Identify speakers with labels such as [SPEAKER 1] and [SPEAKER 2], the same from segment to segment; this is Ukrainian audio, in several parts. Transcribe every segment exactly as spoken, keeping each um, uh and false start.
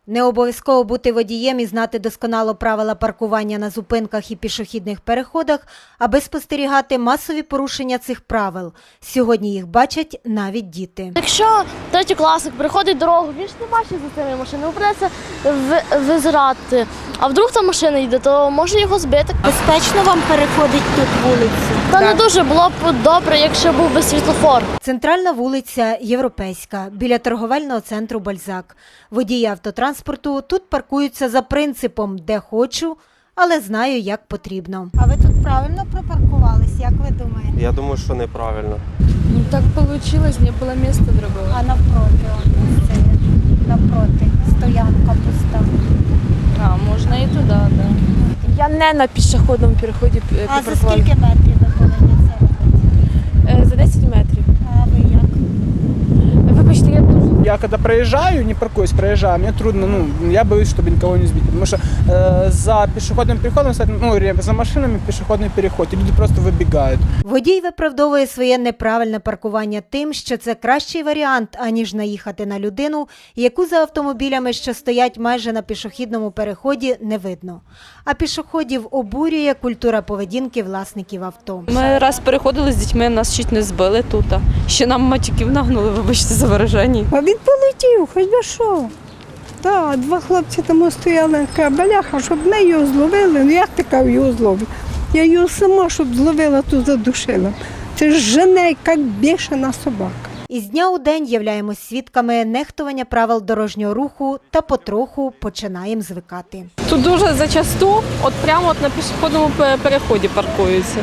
[SPEAKER 1] Не обов'язково бути водієм і знати досконало правила паркування на зупинках і пішохідних переходах, аби спостерігати масові порушення цих правил. Сьогодні їх бачать навіть діти.
[SPEAKER 2] Якщо третьокласник приходить дорогу, він ж не бачить за тими машинами, придеться визирати. А вдруг там машина йде, то може його збити.
[SPEAKER 1] Безпечно вам переходить тут вулицю?
[SPEAKER 2] Та не дуже, було б добре, якщо був би світлофор.
[SPEAKER 1] Центральна вулиця Європейська, біля торговельного центру «Бальзак». Водії автотранспорту тут паркуються за принципом «де хочу, але знаю, як потрібно». А ви тут правильно припаркувались, як ви думаєте?
[SPEAKER 3] Я думаю, що неправильно.
[SPEAKER 4] Ну так получилось, не было места другого.
[SPEAKER 1] А навпроти, он місце є. Навпроти, стоянка пуста.
[SPEAKER 4] А, можно и туда, да. Я не на пішохідному переході
[SPEAKER 1] А за
[SPEAKER 4] припаркувала.
[SPEAKER 1] скільки метрів ви повинні це робити?
[SPEAKER 4] Е, За десять метрів.
[SPEAKER 1] А ви як?
[SPEAKER 4] Вибачте, я дуже...
[SPEAKER 5] Я когда проезжаю, не паркуюсь, проезжаю, мне трудно, ну, я боюсь, чтобы никого не сбить, потому что э, за пешеходным переходом, ну, за машинами пешеходный переход, и люди просто выбегают.
[SPEAKER 1] Водій виправдовує своє неправильне паркування тим, що це кращий варіант, аніж наїхати на людину, яку за автомобілями, що стоять майже на пішохідному переході, не видно. А пішоходів обурює культура поведінки власників авто.
[SPEAKER 6] Ми раз переходили з дітьми, нас чуть не збили тут. Ще нам матюків нагнули, вибачте за вираження.
[SPEAKER 7] А він полетів, хоч би що. Так, два хлопці там стояли, каже, бляха, щоб не його зловили. Ну як така його зловив? Я його сама, щоб зловила, тут задушила. Це ж жене, як бішена собака.
[SPEAKER 1] Із дня у день являємось свідками нехтування правил дорожнього руху та потроху починаємо звикати.
[SPEAKER 6] Тут дуже зачасту, от прямо от на пішохідному переході паркуються.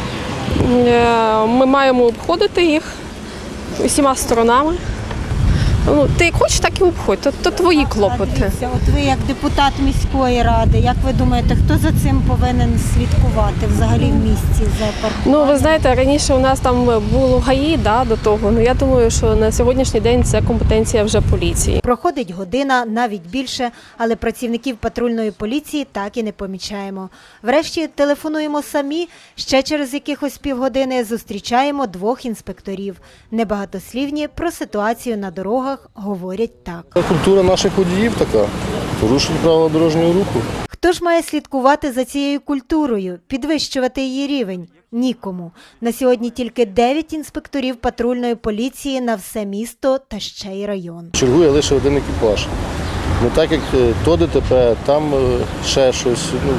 [SPEAKER 6] Е, Ми маємо обходити їх усіма сторонами. Ну, ти як хочеш, так і обходь, то, то твої клопоти.
[SPEAKER 1] Дивіться, от ви як депутат міської ради, як ви думаєте, хто за цим повинен слідкувати взагалі в місті за паркуванням?
[SPEAKER 6] Ну, ви знаєте, раніше у нас там було ГАІ, да, до того. Ну, я думаю, що на сьогоднішній день це компетенція вже поліції.
[SPEAKER 1] Проходить година, навіть більше, але працівників патрульної поліції так і не помічаємо. Врешті телефонуємо самі, ще через якихось півгодини зустрічаємо двох інспекторів. Небагатослівні про ситуацію на дорогах говорять так.
[SPEAKER 8] Культура наших водіїв така, порушують правила дорожнього руху.
[SPEAKER 1] Хто ж має слідкувати за цією культурою, підвищувати її рівень? Нікому. На сьогодні тільки дев'ять інспекторів патрульної поліції на все місто та ще й район.
[SPEAKER 8] Чергує лише один екіпаж. Не так, як то ДТП, там ще щось. Ну,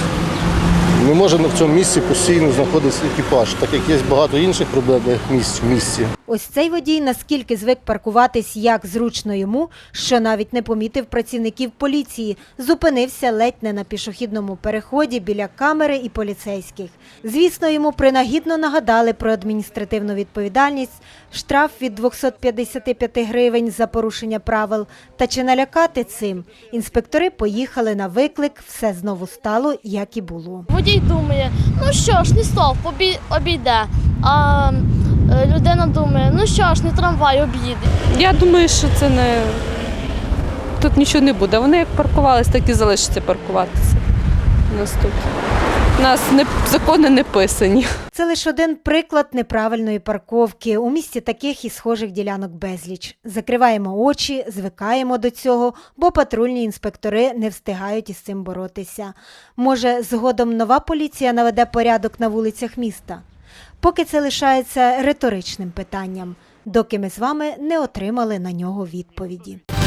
[SPEAKER 8] не може в цьому місці постійно знаходитися екіпаж, так як є багато інших проблемних місць в місті.
[SPEAKER 1] Ось цей водій наскільки звик паркуватись як зручно йому, що навіть не помітив працівників поліції. Зупинився ледь не на пішохідному переході біля камери і поліцейських. Звісно, йому принагідно нагадали про адміністративну відповідальність, штраф від двохсот п'ятдесяти п'яти гривень за порушення правил. Та чи налякати цим? Інспектори поїхали на виклик, все знову стало, як і було.
[SPEAKER 2] Водій думає, ну що ж, не стовп, обійде. А людина думає, ну що ж, не трамвай, об'їде.
[SPEAKER 6] Я думаю, що це не... Тут нічого не буде. Вони як паркувались, так і залишаться паркуватися. У нас тут. У нас не... закони не писані.
[SPEAKER 1] Це лише один приклад неправильної парковки. У місті таких і схожих ділянок безліч. Закриваємо очі, звикаємо до цього, бо патрульні інспектори не встигають із цим боротися. Може, згодом нова поліція наведе порядок на вулицях міста? Поки це лишається риторичним питанням, доки ми з вами не отримали на нього відповіді.